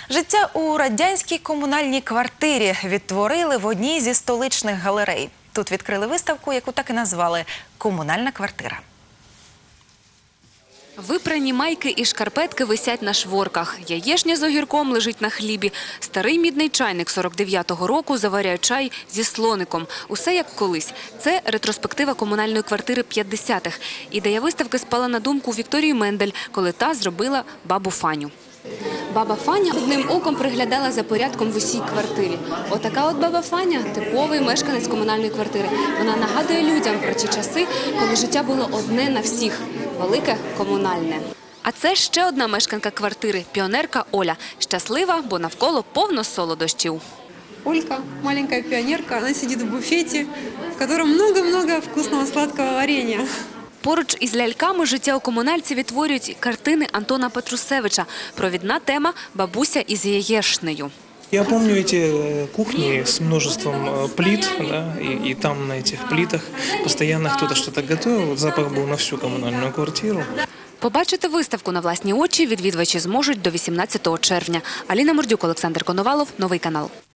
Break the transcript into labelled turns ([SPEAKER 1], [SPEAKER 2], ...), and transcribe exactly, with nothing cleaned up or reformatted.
[SPEAKER 1] Життя у радянській комунальній квартирі відтворили в одній зі столичних галерей. Тут відкрили виставку, яку так і назвали «Комунальна квартира».
[SPEAKER 2] Випрані майки і шкарпетки висять на шворках. Яєшня з огірком лежить на хлібі. Старий мідний чайник сорок дев'ятого року заваряє чай зі слоником. Усе як колись. Це ретроспектива комунальної квартири п'ятдесятих. Ідея виставки спала на думку Вікторії Мендель, коли та зробила бабу Фаню. Баба Фаня одним оком приглядала за порядком в усій квартирі. Отака от баба Фаня – типовий мешканець комунальної квартири. Вона нагадує людям про ті часи, коли життя було одне на всіх – велике комунальне. А це ще одна мешканка квартири – піонерка Оля. Щаслива, бо навколо повно солодощів.
[SPEAKER 3] Олька, маленькая пионерка, она сидит в буфете, в котором много-много вкусного сладкого варенья.
[SPEAKER 2] Поруч із ляльками життя у комунальці відтворюють картини Антона Петрусевича. Провідна тема – бабуся із яєшнею.
[SPEAKER 4] Я помню эти кухни с множеством плит, да, и, и там на этих плитах постоянно кто-то что-то готовил. Запах был на всю коммунальную квартиру.
[SPEAKER 2] Побачити виставку на власні очі відвідувачі зможуть до вісімнадцятого червня. Аліна Мордюк, Олександр Коновалов, Новий канал.